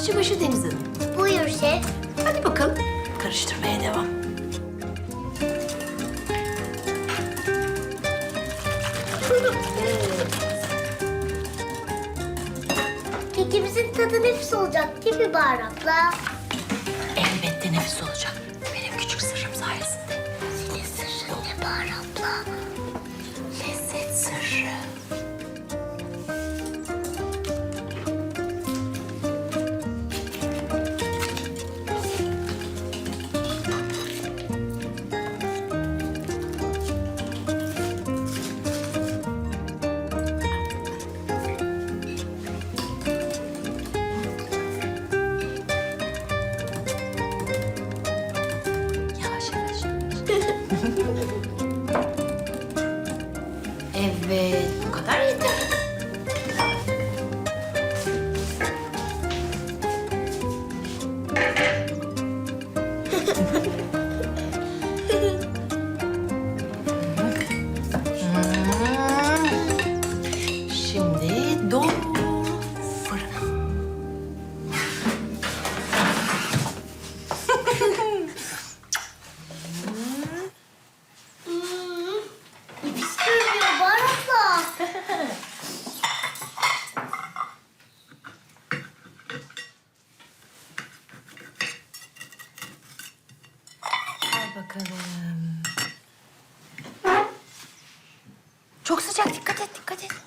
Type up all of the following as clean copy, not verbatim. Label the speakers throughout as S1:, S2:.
S1: aşçıbaşı Deniz Hanım.
S2: Buyur şef.
S1: Hadi bakalım. Karıştırmaya devam.
S2: Kekimizin tadı nefis olacak değil mi Bahar abla?
S1: Elbette nefis olacak. Benim küçük sırrım sayesinde.
S2: Senin sırrın ne Bahar abla?
S1: Lezzet sırrı. Yavaş yavaş. Evet, bu kadar yeter. Şimdi doğru fırına.
S2: Nefis görünüyor Bahar abla.
S1: Al bakalım. Çok sıcak, dikkat et, dikkat et.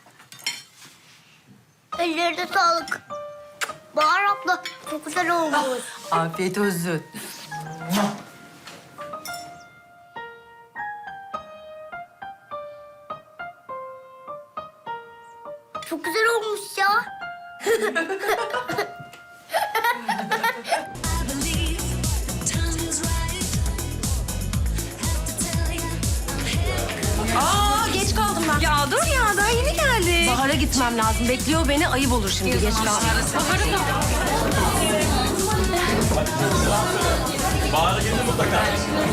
S2: Ellerine sağlık. Bahar abla çok güzel olmuş.
S1: Afiyet olsun.
S2: Çok güzel olmuş ya.
S3: Aa, geç kaldım ben. Ya dur ya, daha yeni geldi. Bahar'a gitmem lazım. Bekliyor beni, ayıp olur şimdi geç kaldım. Bahar'a mı?
S4: Bahar'a gelir mutlaka.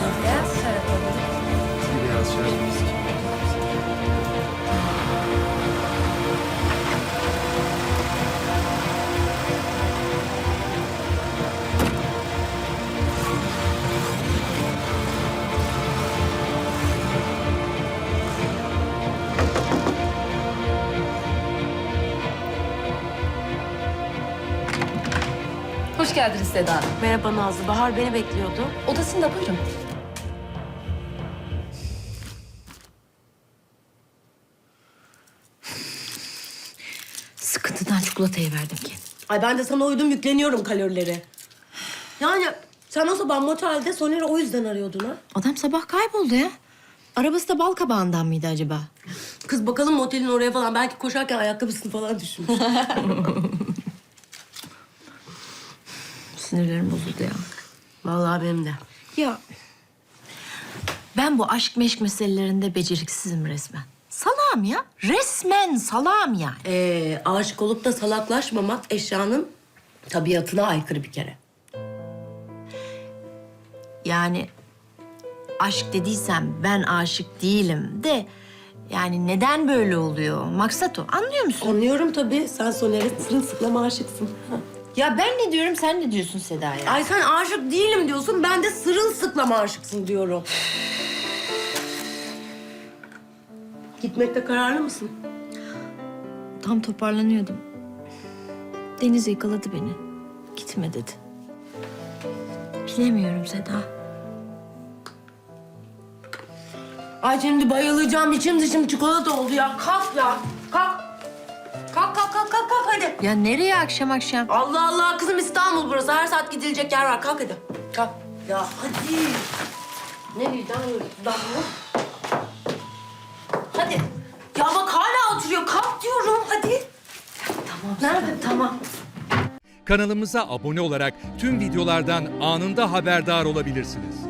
S3: Hoş geldiniz Seda Hanım. Merhaba Nazlı. Bahar beni bekliyordu. Odasında buyurun.
S1: Sıkıntıdan çikolatayı verdim ki.
S5: Ay ben de sana uydum, yükleniyorum kalorileri. Yani sen o sabah motelde Soner'i o yüzden arıyordun ha?
S1: Adam sabah kayboldu ya. Arabası da bal kabağından mıydı acaba?
S5: Kız bakalım motelin oraya falan. Belki koşarken ayakkabısını falan düşmüş.
S1: Sinirlerim bozuldu ya.
S5: Vallahi benim de.
S1: Ya ben bu aşk meşk meselelerinde beceriksizim resmen. Salağım ya. Resmen salağım yani.
S5: Aşık olup da salaklaşmamak eşyanın tabiatına aykırı bir kere.
S1: Yani aşk dediysem ben aşık değilim de... Yani neden böyle oluyor? Maksat o. Anlıyor musun?
S5: Anlıyorum tabii. Sen Soner'e sırılsıklam aşıksın.
S1: Ya ben ne diyorum, sen ne diyorsun Seda ya?
S5: Ay sen aşık değilim diyorsun. Ben de sırılsıklam aşıksın diyorum. Gitmekte kararlı mısın?
S1: Tam toparlanıyordum. Deniz yakaladı beni. Gitme dedi. Bilemiyorum Seda.
S5: Ay şimdi bayılacağım. İçim dışım çikolata oldu ya. Kalk ya. Kalk. Kalk hadi.
S1: Ya nereye akşam akşam?
S5: Allah Allah kızım, İstanbul burası. Her saat gidilecek yer var. Kalk hadi. Kalk. Ya hadi. Ne vicdan bu? Hadi. Ya bak hala oturuyor. Kalk diyorum. Hadi.
S1: Tamam.
S5: Nerede?
S1: Tamam.
S6: Kanalımıza abone olarak tüm videolardan anında haberdar olabilirsiniz.